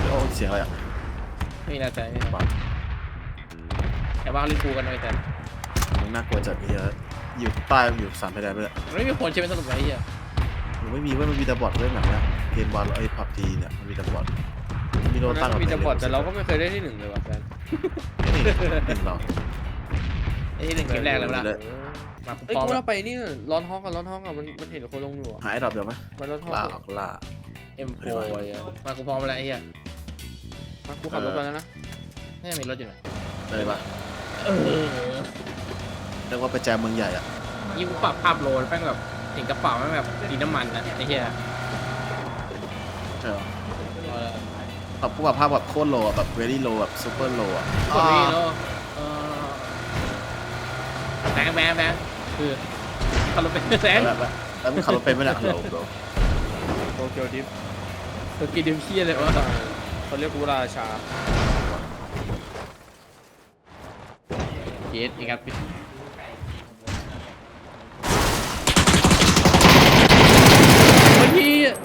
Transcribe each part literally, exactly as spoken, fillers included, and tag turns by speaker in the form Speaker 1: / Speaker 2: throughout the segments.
Speaker 1: โอ้เสียงอะไรอ่ะ
Speaker 2: ไม่มีอะไรแต่ไม่บอกแต่ว่าเล่นกูกันเลยแต่
Speaker 1: มันน่ากลัวจัดเฮียอยู่ใต้อยู่สามเพดานไปเลย
Speaker 2: ไม่มีคนใช่ไหมสรุปไอ้เหี้ย
Speaker 1: มันไม่มีว่ามันมีแต่บอทเล่นแบบเนี้ยเกมบอลไอ้พับจีเนี่ยมันมีแต่บอทมีโดนตั้ง
Speaker 3: มีแต่บอทแต่เราก็ไม่เคยได้ที่หนึ่งเลยว่ะแฟน
Speaker 1: นี่หนึ่งเรา
Speaker 2: ไอ้ที่หนึ่งเกมแรกเลยละมา
Speaker 3: เอ้ย
Speaker 2: พร้อม
Speaker 3: กู
Speaker 2: แล้
Speaker 3: เรา
Speaker 2: ว
Speaker 3: ไปนี่ร้อนห้องกับร้อนห้องกับมันมันเห็นคนลงอยู่
Speaker 1: หายดรอปเดี๋ยวไหม
Speaker 3: มันร้อนห้อง
Speaker 1: ล่าออกล่า
Speaker 2: เอ็มโฟมากูพร้อมแล้วไอ้เหี้ย
Speaker 3: มากูขับรถไปแล้วนะ
Speaker 2: นี่มีรถอยู่ไหน
Speaker 1: เลยปะ
Speaker 2: เออ
Speaker 1: เรียกว่าไปแจมเมืองใหญ่อ่ะ
Speaker 2: ยิ่งกูปรับภาพโหลดแม่งแบบถึงกระเป๋าแม่งแบบสีน้ำมันนะไอ้เหี้ย
Speaker 1: ใช่หรอแบบผู้แบบภาพแบบโคตรโลอ่ะแบบเวลี่โลแบบซูเปอร์โลอ่ะ
Speaker 2: กดนี่แล้วเออแบงแบงแบงคือขับรถเป็นแสง
Speaker 1: แล้วแล้วมึงขับรถเป็นไหมเนี่ยโลโล
Speaker 3: โตเกียวดิฟ
Speaker 2: ตัวกินดิมเคียเลยวะ
Speaker 3: เขาเรียกกูราชา
Speaker 2: เย็ดอีกครับโอ้ย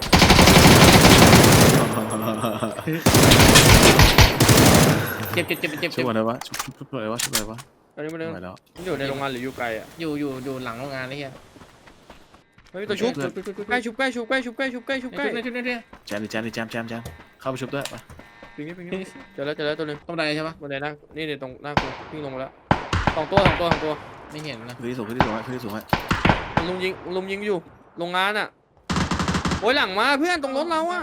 Speaker 2: เจ็บเจ็บเจ็บเจ็บ
Speaker 1: ช่วยอะไรวะช่วยอะไรวะช่วยอะไรวะ
Speaker 3: ตอนนี้มัน
Speaker 1: ไม่แล้ว
Speaker 3: อยู่ในโรงงานหรืออยู่ไกลอ่ะ
Speaker 2: อยู่อยู่อยู่หลังโรงงานนี่เฮีย
Speaker 3: เฮ้ยตัวชุบใกล้ชุบใกล้ชุบใกล้ชุบใกล้ชุบใกล้ชุบใกล้
Speaker 2: ชุบเนี่ยชุบเนี่ย
Speaker 1: แจมดิแจมดิแจมแจมแจมเข้าไปชุบด้วยไป
Speaker 3: ปิงนี่ปิงนี่เจอแล้วเจอแล้วตัวนึง
Speaker 2: ต้องได้ใช่ปะ
Speaker 3: บนไหนนะนี่เดี๋ยวตรงหน้ากูวิ่งลงมาแล้วสองตัวสองตัวสองตัว
Speaker 2: ไม่เห็นนะ
Speaker 1: ขึ้นที่สูงขึ้นที่สูงขึ้นที่สูง
Speaker 3: ลุมยิงลุมยิงอยู่โรงงานอ่ะโอ้ยหลังมาเพื่อนตรงรถเราอ่ะ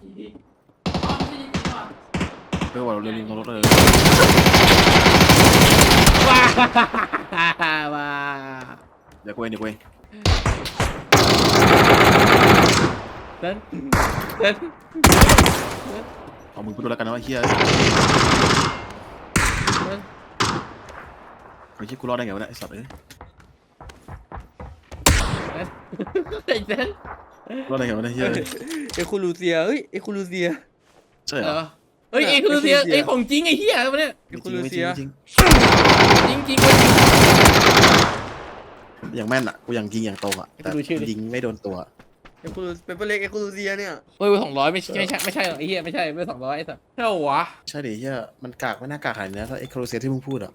Speaker 1: เพื่อว่าเราเรียนรู้รถเลย
Speaker 2: ว้าว้า
Speaker 1: เดี๋ยวกูเองเดี๋ยวกูเอง
Speaker 2: เต้นเต้น
Speaker 1: เอามือไปดูแล้วกันนะว่าเฮียไอ้ที่กูรอดได้ไงวะเนี่ยไอ้สัตว์เอ้ย
Speaker 2: เต้นเต้น
Speaker 1: รอดได้ไงวะเนี่ยเฮีย
Speaker 3: เอคูลูเซียเฮ้ยเอคูลูเซีย
Speaker 1: ใช่เหรอ
Speaker 2: เฮ้ยเอคูเซียไอของจริงไอเฮียอะไรเนี่ย
Speaker 3: เอคูลูเซีย
Speaker 1: จริง
Speaker 2: จริงจริง
Speaker 1: อย่างแม่นอ่ะกูอย่างยิงอย่างตรงอ่ะแต่ยิงไม่โดนตัว
Speaker 3: เอคูลูเป็นเปเล็กเอคูลูเซียเนี่ย
Speaker 2: เฮ้ยสองร้อยไม่ใช่ไม่ใช่ไม่ใช่หรอกไอเฮียไม่ใช่ไม่สองร้อยไอ้สัสเท่าวะ
Speaker 1: ใช่ดิเฮียมันกากไม่น่ากากขนาดนี้ถ้าไอ้โครเซียที่มึงพูดอ่ะ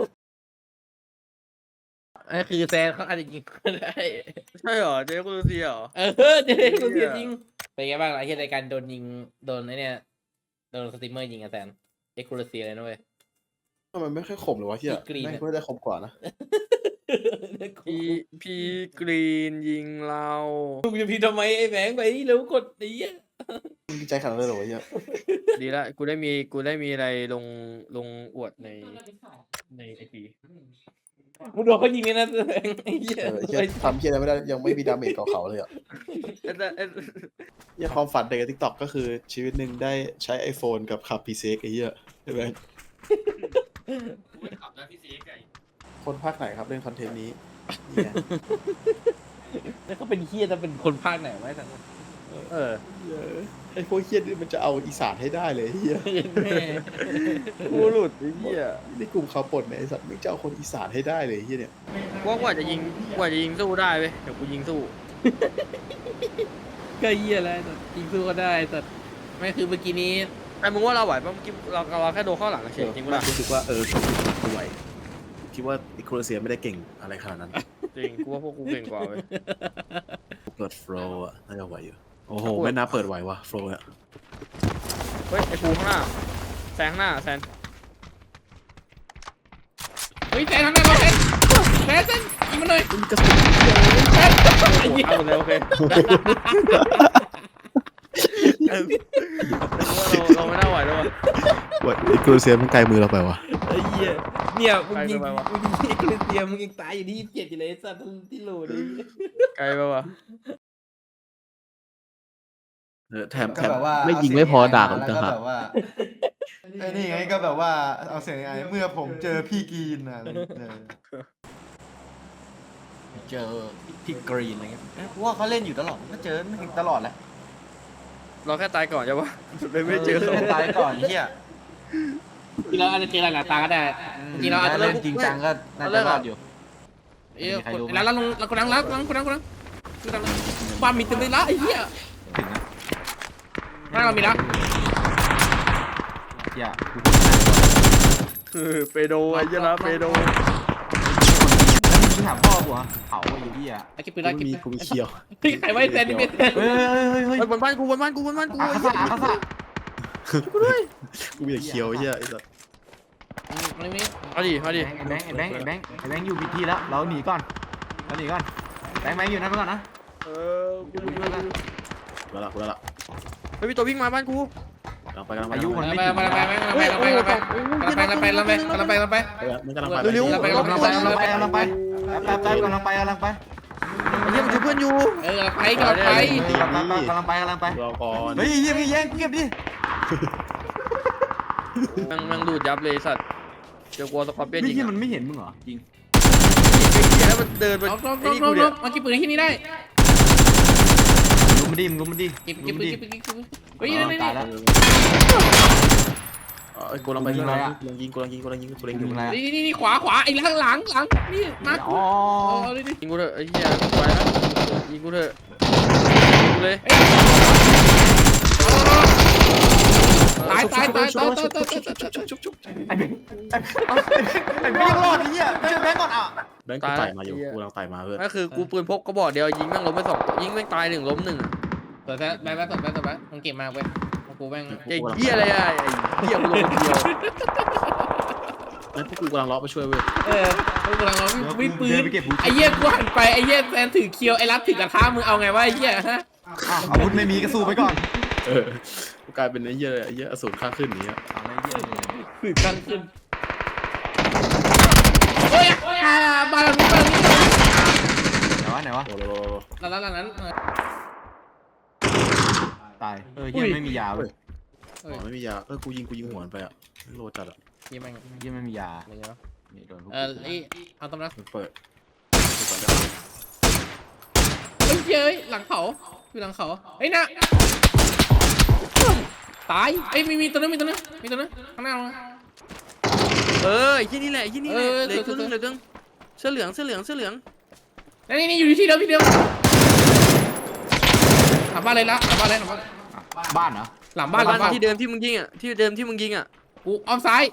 Speaker 2: ไอ้คือแซนเขาอาจจะยิงก็ได้
Speaker 3: ใช่เหรอเจอเอคูลูเซียเหรอ
Speaker 2: เออเจ๊กูเสียจริงเป็นไงบ้างล่ะไอ้เฮียรายการโดนยิงโดนไอ้เนี่ยโดนสตรีมเมอร์ยิงอะแซนเอ็กซ์คลูซีเลยนะเว้ย
Speaker 1: ทำไมไม่ค่อยขมเลยวะเฮียแม่งเพื่อได้ขมกว่านะ
Speaker 3: พีพีกรีนยิงเรา
Speaker 2: มึงจะพีทำไมไอ้แบงค์ไปเร็วกดนี้
Speaker 1: มึงดีใจขนาดนั้นเลยเหรอวะเฮีย
Speaker 3: ดีละกูได้มีกูได้มีอะไรลงลงอวดในในไอพี
Speaker 2: มึงโดนเขายิงเลยนะแบงค์ไอ้เหี้ย
Speaker 1: เออเฮียทำเฮียอะไรไม่ได้ยังไม่มีดาเมจกับเขาเลยอ่ะเฮียความฝันเด็กกับทิกตอกก็คือชีวิตหนึ่งได้ใช้ iPhone กับขับ พี ซี เอ็กซ์ไอ้เฮียใช่ไหมคนภาคไหนครับเล่นคอนเทนต์นี้เนี่ย
Speaker 2: แล้วเขาเป็นเฮียจะเป็นคนภาคไหนไว้แต่
Speaker 3: เออ
Speaker 1: ไอ้พวกเฮียนี่มันจะเอาอีสานให้ได้เลยเฮีย
Speaker 2: แม่
Speaker 3: กูหลุดไอ้เหี้ย
Speaker 1: ในกลุ่มข่าวปลดเนี่ยไอ้สัตว์มึงจะเอาคนอีสานให้ได้เลยเฮียเนี่ย
Speaker 3: ว่ากว่าจะยิงกว่าจะยิงสู้ได้เว้ยเดี๋ยวกูยิงสู้
Speaker 2: ก็เฮียอะไรแต่ยิงสู้ก็ได้แต่ไม่คือเมื่อกี้นี้
Speaker 3: ไอ้มึงว่าเราไหวป่ะเมื่อกี้เราเราแค่โดนข้อหลังเฉยจริงปะล่ะ
Speaker 1: รู้สึกว่าเออกูไหวคิดว่าไอ้โครเซียไม่ได้เก่งอะไรขนาดนั้น
Speaker 3: จริงกูว่าพวกกูเก่งกว่าเว้ย
Speaker 1: กูเปิดโฟล์อะน่าจะไหวอยู่โอ้โหไม่น่าเปิดไหววะโฟล์อะ
Speaker 3: เฮ้ยไอ้ภูข้างหน้าแซงข้างหน้าแซน
Speaker 2: เฮ้ยแซนทำไงวะแซนแซนแซนยิงมันหน่อย
Speaker 1: มึงกระสุน
Speaker 2: แซนไอ้เหี้ย
Speaker 3: เอาหมดเลยโอเคเราเราไม่น่าไหวแล้ววะ
Speaker 1: ว่าไอ้โครเซียมันไกลมือเราไปวะ
Speaker 2: ไอ้เหี้ยเนี่ยมึงยิง
Speaker 3: ไปไปวะ
Speaker 2: มึงยิงไอ้คริสเตียนมึงยังตายอยู่ที่ยี่สิบเจ็ดอยู่เลยไอ้สัตว์ที่โหลเลย
Speaker 3: ไกลปะวะ
Speaker 1: เออแถม
Speaker 4: ก็
Speaker 1: แถม
Speaker 4: แบบว่า
Speaker 1: ไม่ยิงไม่พอด่ากัน
Speaker 4: แล้ว
Speaker 1: ต่าง
Speaker 4: ก็
Speaker 1: หาก
Speaker 4: แบบว่าไอ้นี่ไงก็แบบว่าเอาเสียงไงเมื่อผมเจอพี่กรีนนะเออ
Speaker 2: เจอพี่กรีนอะไรเงี้ย
Speaker 4: เพราะว่าเขาเล่นอยู่ตลอดก็เจอไม่เห็นตลอดแหละ
Speaker 3: เราแค่ตายก่อนใช่ปะเลยไม่เจอ
Speaker 4: เล่นตายก่อนเฮีย
Speaker 2: จริงเราอาจจะเจอหลายๆตาก็ได้จริงเราอาจจะ
Speaker 4: เล่นจริงจังก็น่าจะรอดอยู่
Speaker 2: เอ้ยแล้วเราลงเรากดดังแล้วกดดังกดดังกดดังกดดังบ้านมีเต็มเลยละไอ้เหี้ยบ้านเรามีละ
Speaker 4: หี้ยกู
Speaker 3: เออเปโดไอ้เหี้ยละเปโด
Speaker 4: มึงถามพ่อกูเหรอเผาไอ้เหี้ย
Speaker 2: ไอ้กิ๊บปืน
Speaker 1: กู
Speaker 2: ละกิ๊บ
Speaker 1: มีกูมีเคียว
Speaker 2: ใครไว้แซนนี่เป็น
Speaker 4: เฮ้ยเฮ้ยเฮ้ยเฮ้ย
Speaker 3: ไอ้บนบ้านกูบนบ้านกูบนบ้านกู
Speaker 4: อาคาซาอาคาซา
Speaker 1: กูมีแต่เคียวไอ้เหี้ยไอ้สัส
Speaker 2: ไม่ไม่
Speaker 3: เอาดิเอาดิ
Speaker 4: ไอ้แบงค์ไอ้แบงค์ไอ้แบงค์ไอ้แบงค์อยู่ผิดที่แล้วเราหนีก่อนเราหนีก่อนแบงค์แบงค์อยู่นั่นไปก่อนนะ
Speaker 3: เออกูดูดูดู
Speaker 1: กูละกูละ
Speaker 3: เฮ้ยมีตัววิ่งมาบ้านกู
Speaker 1: กำลังไปกำลังไป
Speaker 4: อายุมัน
Speaker 2: ไป
Speaker 4: ไม่
Speaker 2: ไป
Speaker 4: ถึง
Speaker 2: ไปไปไปไปไปไปไปไปไปไปไปไปไปไปไป
Speaker 1: เออมันกำลังไป
Speaker 3: เร็ว
Speaker 2: ๆ
Speaker 4: กำลังไปกำลังไปกำลังไปกำลังไปแป๊บแป๊บกำลังไปกำลังไป
Speaker 3: ไอ้เหี้ยมันช่วยเพื่อนอยู่
Speaker 2: เออไปก็ไป
Speaker 4: กำลังไปกำลังไปกำลังไป
Speaker 1: รอก่อน
Speaker 4: เฮ้ยเฮียมีแย่งเก็บดิ
Speaker 3: แม่งแม่งดูดยับเลยสัตว์เจอกลัวสกอร์เปียน
Speaker 4: นี่
Speaker 3: ยิง
Speaker 4: ที่
Speaker 3: อะ
Speaker 4: มันไม่เห็นมึงเหรอจริง
Speaker 3: ไอ้เหี้ยแล้วมันเดินไป
Speaker 2: ลบลบ
Speaker 3: ไอ้
Speaker 2: ลบ
Speaker 3: นี่
Speaker 2: ล
Speaker 3: กู
Speaker 2: บล
Speaker 3: เนี่ย
Speaker 2: บมากิ๊บปืนที่นี่ได้
Speaker 4: ลุมมันดิลุมมันดิ
Speaker 2: กิ๊บกิ๊บปืนกิ๊บปืนกิ๊บปืนเฮ้ยนี่นี่
Speaker 4: ตายแล้ว
Speaker 1: เอ้ยกูกำลังไปกูกำลังยิงกูกำลังยิงกูกำลังยิงกูกำลังยิงกู
Speaker 4: มึง
Speaker 1: กำลัง
Speaker 4: อะไร
Speaker 1: ยิง
Speaker 2: นี่นี่ขวาขวาไอ้หลังหลังหลังนี่มา
Speaker 4: อ๋อ
Speaker 2: เอาดิดิ
Speaker 3: ยิงกูเถอะไอ้เหี้ยไปแล้วยิงกูเถอะยิงกูเลย
Speaker 2: ตายตายตายตายตายตาย
Speaker 4: ไอ้แบงค์ไอ้แบงค์ไอ้แบงค์รอดไอ้เหี้ยไม่ใช่แบงค์ก่อนอ่ะ
Speaker 1: แบงค์กูไต่มาอยู่กูกำลังไต่มาเพื่อน
Speaker 3: ก็คือกูปืนพกก็บอกเดียวยิงแม่งล้มไปสองยิงแม่งตายหนึ่งล้มหนึ่ง
Speaker 2: ตัวแท้แบงค์แบงค์ตัวแบงค์ตัวแบงค์มันเก่งมากเว้ยกูแบงค์
Speaker 3: ไอ้เหี้ยอะไรอะไอ้เหี้ยกูลงคนเดียว
Speaker 1: ไอ้พวกกูกำลังล้อไปช่วยเว้ย
Speaker 2: เออกูกำลังร้องวิ่งปื
Speaker 4: เดิ
Speaker 2: น
Speaker 4: นไปเก็บบู
Speaker 2: ไอ้เหี้ยกูหันไปไอ้เหี้ยแซนถือเคียวไอ้รับถือกระทะมึงเอาไงวะไอ้เหี้ยฮะ
Speaker 4: อ้าวอาวุธไม่มีก็สู้ไปก่อน
Speaker 1: เออกูกลายเป็นไอ้เหี้ยไอ้เหี้ยอสูรข้างขึ้นนี้
Speaker 4: เอาไอ้เหี้ย
Speaker 2: ถือกันขึ้นโอ้ยอ่าบ้านหลังนี้บ้านหลังนี้
Speaker 4: ไหนวะไหนวะ
Speaker 1: โอ้โห
Speaker 2: หลังนั้นหลังนั้น
Speaker 4: ตายเออเหี้ยไม่มียาเว้ย
Speaker 2: เฮ้ย
Speaker 1: ไม่มียาเออกูยิงกูยิงหัวมันไปอ่ะโลจัดอ่ะ
Speaker 2: ยี่แม่ง
Speaker 4: เหี้ยไม่มียา
Speaker 2: อะไรเงี้ย
Speaker 4: นี่โดนพวก
Speaker 2: เออไอ้เอาตำนะ
Speaker 1: มันเปิด
Speaker 2: เฮ้ยเฮ้ยหลังเขาอยู่หลังเขาเฮ้ยนะตายเอ้ยมีมีตัวนึงมีตัวนึงมีตัวนึงข้างหน้า
Speaker 3: เออไอ้ที่นี่แหละไอ้ที่นี่แหละ
Speaker 2: เออ
Speaker 3: เหลยตัวนึง
Speaker 2: เออ
Speaker 3: เหลยตัวนึงเสื้อเหลืองเสื้อเหลืองเสื้อเหลือง
Speaker 2: นี่นี่อยู่ที่เดิมที่เดิมหลังบ้านเลยละหลังบ้านเลยหลังบ้าน
Speaker 4: บ้านเหรอ
Speaker 2: หลังบ้านหลังบ้าน
Speaker 3: ที่เดิมที่มึงยิงอ่ะที่เดิมที่มึงยิงอ่ะ
Speaker 2: กูอ้อมซ้าย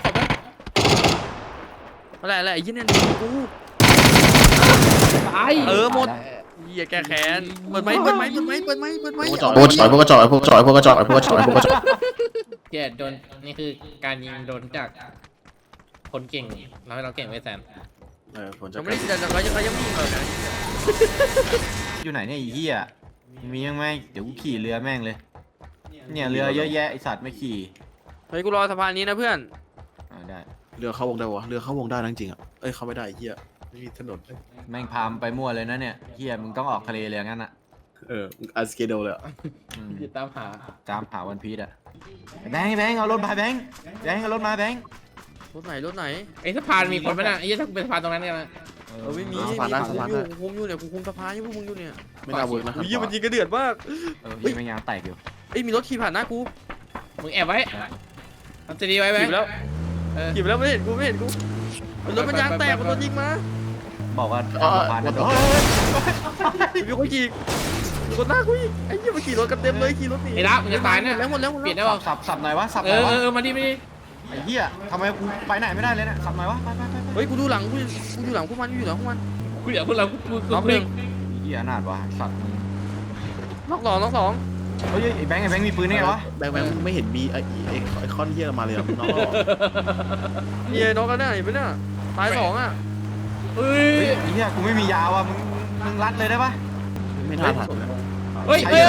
Speaker 2: อ้อมขอบไป
Speaker 3: อะไรอะไรไอ้ยี่เนี่ยกู
Speaker 2: ตาย
Speaker 3: เออหมดเหี้ยแกแค้นเปิดไม้เปิดไม้เปิดไม้เปิดไม้เปิดไม้
Speaker 1: พวกกระจอกพวกกระจอกพวกกระจอกพวกกระจอกพวกกระจอกพวกกระจอก
Speaker 2: เกียโดนนี่คือการยิงโดนจากคนเก่งเราให้เราเก่งไว้แซน
Speaker 1: เออผลจะ
Speaker 3: เราไม่ได้แต่เรายังเรายังไม่ยิงเลยนะ
Speaker 4: อยู่ไหนเนี่ยไอ้เหี้ยมียังไหมเดี๋ยวกูขี่เรือแม่งเลยเนี่ยเรือเยอะแยะไอสัตว์ไม่ขี่
Speaker 3: เฮ้ยกูรอสะพานนี้นะเพื่อน
Speaker 4: อ่าได้
Speaker 1: เรือเข้าวงได้วะเรือเข้าวงได้จริงอ่ะเอ้ยเข้าไม่ได้เหี้ยไม่มีถนน
Speaker 4: แม่งพามไปมั่วเลยนะเนี่ยเหี้ยมึงต้องออกทะเลเลยงั้นอ่ะ
Speaker 1: เอออันสเกโดเลยอ่ะ
Speaker 4: อืม
Speaker 2: ติดตามหา
Speaker 4: จามหาวันพีชอ่ะแบงค์แบงค์เอารถมาแบงค์แบงค์เอารถมาแบงค์
Speaker 3: รถไหนรถไหน
Speaker 2: ไอ้สะพานมีคนไหมน่ะไอ้ยี่ถ้ากูเป็นสะพานตรงนั้นกันนะ
Speaker 4: เอ
Speaker 3: เออไม่มี
Speaker 1: สะพานได้สะพานได้
Speaker 3: กูคุมอยู่เนี่ยกูคุมสะพานอยู่พวกมึงอยู่เนี่ย
Speaker 1: ไม่น่าเวิร์กนะ
Speaker 3: อุ้ยมันยิงกระเดือดมาก
Speaker 4: เออพี่แม่งยางแตกอยู่
Speaker 3: เอ้ยมีรถขี่ผ่านหน้ากู
Speaker 2: มึงแอบไว้ทำจะดีไว้ไหม
Speaker 3: ขี่ไปแล้ว
Speaker 2: เออ
Speaker 3: ขี่ไปแล้วไม่เห็นกูไม่เห็นกูรถมันยางแตกมันโดนยิงมา
Speaker 4: บอกว่า
Speaker 1: อ๋อ
Speaker 4: ผ่าน
Speaker 1: วั
Speaker 4: นะ
Speaker 1: นต่อ
Speaker 3: มีคนขี่มีคนหน้ากูอีกไอ้เหี้ยมันขี่รถกันเต็มเลยขี่รถหนี
Speaker 2: ไอ้ละมึงจะตายเนี่ย
Speaker 3: แล้วหมดแล้วหมด
Speaker 2: เปลี่ยน
Speaker 3: แล้ว
Speaker 2: ได้ป่ะ
Speaker 4: สับสับหน่อยวะสับห
Speaker 2: เอ
Speaker 4: น่อยวะ
Speaker 2: อเออมาดิมาดิ
Speaker 4: ไอ้เหี้ยทำไมกูไปไหนไม่ได้เลยเนี่ยสับหน่อยวะไปไปไปไป
Speaker 3: เฮ้ยกูดูหลังกูกูอยู่หลังพวกมันกูอยู่หลังพวกมัน
Speaker 2: กูเดี๋ยวพวกเรากูกู
Speaker 3: รอบหนึ่ง
Speaker 4: ไอ้เหี้ยอนาถวะสัตว์มึง
Speaker 3: ล็อกสองล็อกสอง
Speaker 4: เฮ้ยไอ้แบงค์ไอ้แบงค์มีปืนได้ไงวะ
Speaker 1: แบงค์แบงค์ไม่เห็นมีไอ้ไอ้ไอ้คอนเหี้ยมาเลยอ่ะน้อง
Speaker 3: เฮียน็อกกันได้เห็นไหมเนี่ยตายสองอ่ะ
Speaker 2: เฮ้ย
Speaker 4: เฮ้ยไอ้เหี้ยกูไม่มียาวะมึงมึงรัดเลยได้ปะ
Speaker 1: ไม่น่าทันนะ
Speaker 2: เฮ้ยเฮ้ย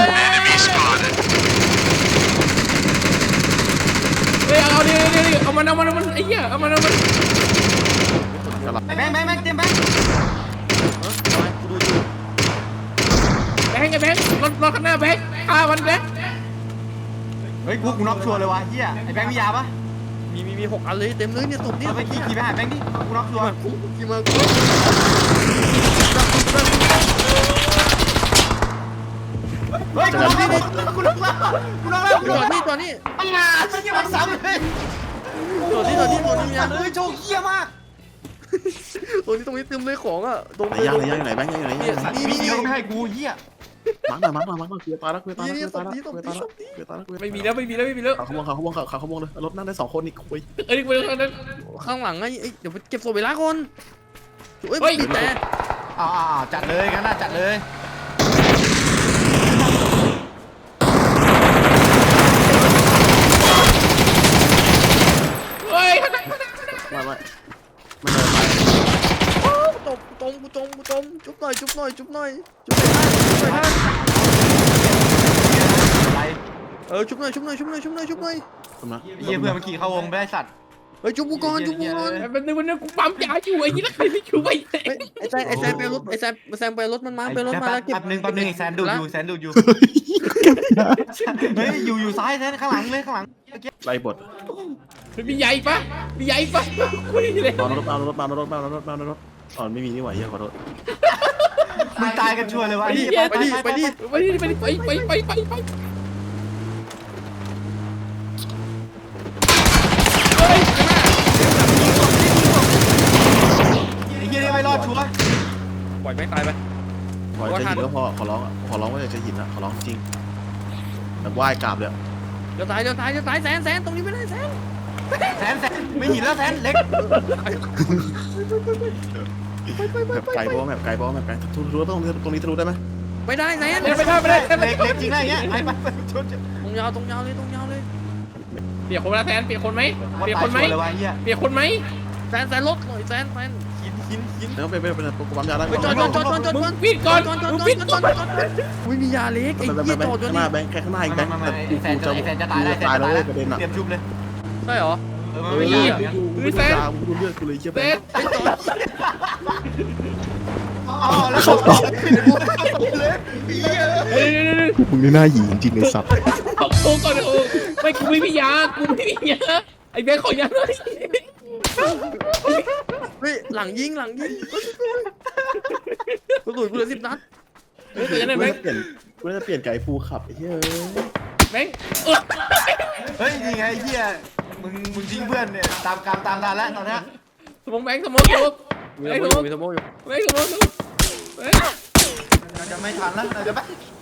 Speaker 2: เฮ้ยเอาดิเอาดิเอามันเอามันเอามันไอ้เหี้ยเอามันเอามัน
Speaker 4: ไอ้แบงค์แบงค์แบงค์เตรียมแบงค์
Speaker 3: เออทำไมกูดูอยู่
Speaker 2: แบงค์ไอ้แบงค์รถรถข้างหน้าแบงค์ฆ่ามันแบงค์
Speaker 4: เฮ้ยกูกูน็อกชัวร์เลยวะเหี้ยไอ้แบงค์มียาปะ
Speaker 3: มีมีมีหกอันเลยเต็มเลยเนี่ยศพเนี่ย
Speaker 4: เอาไปขี่ขี่ไปหาแบงค์ดิกูน็อกชัวร์
Speaker 3: กูขี่มากู
Speaker 4: เฮ้ยกูน็อกแล้วกูน็อกแล้วกูน็อกแล้วกู
Speaker 3: จ
Speaker 4: น็
Speaker 3: อ
Speaker 4: อก
Speaker 3: ด
Speaker 4: แล้ว
Speaker 3: นี่จอดนี่
Speaker 4: ไอ้งาไม่ใช่มันซ้ำเลย
Speaker 3: จอดนี่จอดนี่จอดนี่มีอัน
Speaker 4: เฮ้ยโชว์เหี้ยมาก
Speaker 3: ตรงนี้ตรงนี้เต็มเลยของอ่ะตรง
Speaker 1: ไหนย่างไหนย่างไหนแบงค์ย่างไหนย่างไหน
Speaker 4: สัตว์มีเดียวไม่ให้กูเหี้ย
Speaker 1: มาร์กหน่อยมาร์กหน่อยมาร์กหน่อยกูจะตายแล้วกูจะตายแล้วกูจะตายแล้วกูจะตายแล้วกูจะตายแล้วกูจะตาย
Speaker 2: ไม่มีแล้วไม่มีแล้วไม่มีแล้ว
Speaker 1: เขาขโมยเขาขโมยเขาขโมยเลยรถนั่งได้สองคนนี่คุย
Speaker 2: เอ้ยไปตรงนั้น
Speaker 3: ข้างหลังไงเอ้ยเดี๋ยวไปเก็บศพเวลาก่อนเอ้ย
Speaker 2: เฮ้ย
Speaker 3: บีบแต่
Speaker 4: อ่าจัดเลยกันน่าจัดเลย
Speaker 2: เฮ้ย
Speaker 1: ไม่ไม่ไม่เดินไป
Speaker 3: โอ้ตบตรงกูตรงกูตรงจุ๊บหน่อยจุ๊บหน่อยจุ๊บหน่อยจุ๊บหน่อยจุ๊บหน่อย
Speaker 4: อะไร
Speaker 3: เออชุบหน่อยชุบหน่อยชุบหน่อยชุบหน่อยชุบหน่อย
Speaker 1: ทำนะ
Speaker 4: เหี้ยเพื่อนมันขี่เข้าวงไปได้สัตว์
Speaker 3: เฮ้ยชุบกูก่อนชุบกูก่อน
Speaker 2: มันนึงมันนึงกูปั๊มยาอยู่ไอ้ยี่แล้วใครไม่ช่วย
Speaker 3: เฮ้ยไอ้แซมไอ้แซมไปรถไอ้แซมแซมไปรถมันมาไปรถมาแล้วเก็บ
Speaker 4: แป๊บนึงแป๊บนึงไอ้แซนดูดอยู่แซนดูดอยู่เฮ้ยอยู่อยู่ซ้ายแซนข้างหลังเลยข้างหลัง
Speaker 1: ไล่บท
Speaker 2: มันมีใหญ่ปะมีใหญ่ปะคุยเลย
Speaker 1: เอารถเอารถเอารถเอารถเอารถอ๋อไม่มีนี่หว่าเฮียขอโทษ
Speaker 4: มึงตายกันชัวร์เลยวะ
Speaker 3: ไปดิไปดิไปดิ
Speaker 2: ไปดิไปดิไปไปไปไปไปเฮ้ย
Speaker 4: ไอ้เหี้ยนี่ไม่รอดชัวร์
Speaker 3: ปล่อยไม่ตายไป
Speaker 1: ขอจะหินก็พอขอร้องขอร้องว่าจะหินอะขอร้องจริงแบบไหว้กราบเลย
Speaker 3: เดี๋ยวตายเดี๋ยวตายเดี๋ยวตายแซนแซนตรงนี้ไม่ได้แซน
Speaker 4: แซนแซนไม่หินแล้วแซนเล็ก
Speaker 1: แบบไกลบ้องแบบไกลบ้องแบบไกลทุรู้ตรงนี้ตรงนี้ทะลุได้ไหม
Speaker 3: ไม่ได้แซน
Speaker 2: ไม่ได้ไม่ได้ไม่ได้
Speaker 4: เล็กเล็กจริงนะอย่างเงี้ยไปไปไปชน
Speaker 3: ตรงยาวตรงยาวเลยตรงยาวเลย
Speaker 2: เปลี่ยนคนละแทนเปลี่ยนคนไหม
Speaker 4: ว่า
Speaker 2: เปลี่ยน
Speaker 4: ตา
Speaker 2: ค
Speaker 4: ย
Speaker 2: นไหม
Speaker 4: ชัวร์เลยวะเหี้ย
Speaker 2: เปลี่ยนคนไหม
Speaker 3: แซนแซนรถหน่อยแซนแซนหินหินหิน
Speaker 1: แล้วไปไปไปกูปั๊มยาได้
Speaker 3: ไปจอดจอดจอดจอดจอด
Speaker 2: มึ
Speaker 3: จอด
Speaker 2: งปิดก่อน
Speaker 3: จอดจอด
Speaker 2: มึง
Speaker 3: จอ
Speaker 2: ปิ
Speaker 3: ด
Speaker 2: ด
Speaker 3: จ
Speaker 2: ก่
Speaker 3: อ
Speaker 2: อ
Speaker 3: ด
Speaker 2: น
Speaker 3: จอดไม่มียาเล็กไอ้
Speaker 1: ไปไป
Speaker 3: เหี้ย
Speaker 1: ไป
Speaker 3: จอดจอด
Speaker 1: ข้างห
Speaker 3: นี่
Speaker 1: น้าแบงค์แค่ข้างหน้าอีกแบ
Speaker 4: ไม่
Speaker 1: งค์
Speaker 4: ไม่ไม่แซนจะแซนจะตายได้แซน
Speaker 1: ตาย
Speaker 4: จะ
Speaker 1: แล้ว
Speaker 4: ตาย
Speaker 1: เว้
Speaker 4: แล้
Speaker 1: ยว ประเด็นอะ
Speaker 4: เตรียมชุบเลย
Speaker 3: ใช่เหรอ
Speaker 4: เออมันไม่ยากอย่างเงี้ย
Speaker 1: กูไม่ดูยากูดูเลือดกูเลยเชี่ย
Speaker 2: เซ
Speaker 1: แบง
Speaker 2: ต
Speaker 1: ค์
Speaker 3: ไอ้จอด
Speaker 4: อ๋อแล้วเขาต่อเลย
Speaker 2: เฮ้ย
Speaker 1: มึงนี่น่าหยีจริงๆเลยสัตว์
Speaker 2: เอาโค้งก่อนโอ้ไม่กูไม่มียากูไม่มียาไอ้แบงค์ขอยาหน่อย
Speaker 3: เฮ้ยหลังยิงหลังยิงกระสุนกูเหลือสิบนัด
Speaker 2: เฮ้ยแต่ยังไง
Speaker 1: กู
Speaker 2: แบง
Speaker 1: จะ
Speaker 2: ค์
Speaker 1: เปลี่ยนกูจะเปลี่ยนไก่ฟูขับไอ้เหี้ย
Speaker 2: แบงค์เออ
Speaker 4: เฮ้ยนี่ไงไอ้เหี้ยมึงมึงทิ้งเพื่อนเนี่ยตามกรรมตามทันแล้วตอนเนี้ย
Speaker 2: สมองแบงค์สมองสมอง
Speaker 3: มี
Speaker 2: แบ
Speaker 3: ส
Speaker 2: ง
Speaker 3: ม
Speaker 2: ค์
Speaker 3: อง
Speaker 2: ส
Speaker 3: อ
Speaker 2: มอง
Speaker 3: ยู่มีสมองอยู่
Speaker 2: แบงค์สมองสมองแบงค์
Speaker 4: น่าจะไม่ทันแล้วน่าจะไม่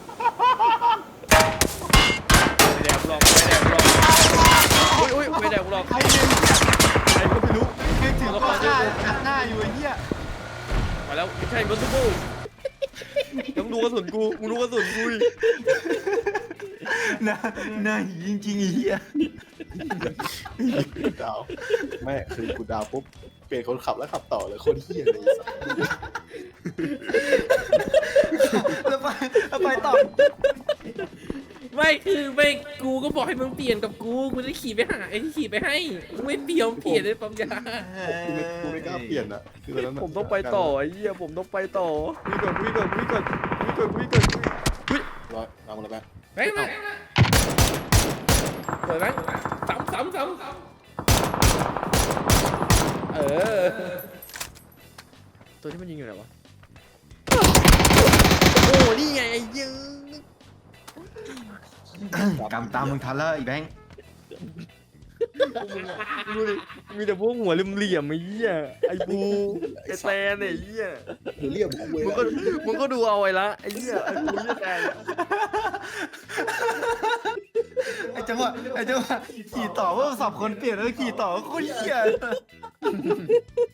Speaker 3: ไม่แดกหรอกไม่แดกหรอกอุ้ยอุ้ยไม่แดกหรอก
Speaker 4: ใครเนี่ยใครก็ไม่รู้นึกถึงก็หน้าหน้าอยู่ไอ้เหี้ย
Speaker 3: มาแล้วไม่ใช่บัสซูบูต้องดูกระสุนกูมึงดูกระสุนกูดิ
Speaker 4: หน้าหน้าจริงจริงๆไอ้เหี้ย
Speaker 1: ดาวแม่คือกูดาวปุ๊บเปลี่ยนคนขับแล้วขับต่อเลยคนเหี้ยเลยสัตว์
Speaker 4: แล้วไปแล้วไปต่อ
Speaker 2: ไม่คือไม่กูก็บอกให้มึงเปลี่ยนกับกูกูจะขี่ไปหาไอ้ที่ขี่ไปให้มึงไม่เปลี่ยนเปลี่ยนเลยปั๊มยา
Speaker 1: กูไม่กูไม่กล้าเปลี่ยนอ่ะคือตอนนั้น
Speaker 3: ผมต้องไปต่อไอ้เหี้ยผมต้องไปต่อวิ่งก่อนวิ่งก่อนวิ่งก่อนวิ่งก่อนวิ่งก่อนวิ่ง
Speaker 1: ร้อยตามมาเลยแม่
Speaker 2: แบงค์มาเปิดแบงค์ซ้ำซ้ำซ้ำเออ
Speaker 3: ตัวที่มันยิงอยู่ไหนวะโอ้นี่ไงไอ้เหี้ย
Speaker 4: กรรมตามมึงทันแล้วไอ้แบงค์
Speaker 3: ดูดิมีแต่พวกหัวเหลี่ยมๆไอ้เหี้ยไอ้บูไอ้แซนไอ้เหี้ย
Speaker 1: หรือเรียกกูเว้ย
Speaker 3: มึงก็มึงก็ดูเอาไว้ละไอ้เหี้ยไอ้บูไอ้แซน
Speaker 4: ไอ้จังหวะไอ้จังหวะขี่ต่อว่าสับคนเปลี่ยนแล้วขี่ต่อโคตรเหี้ย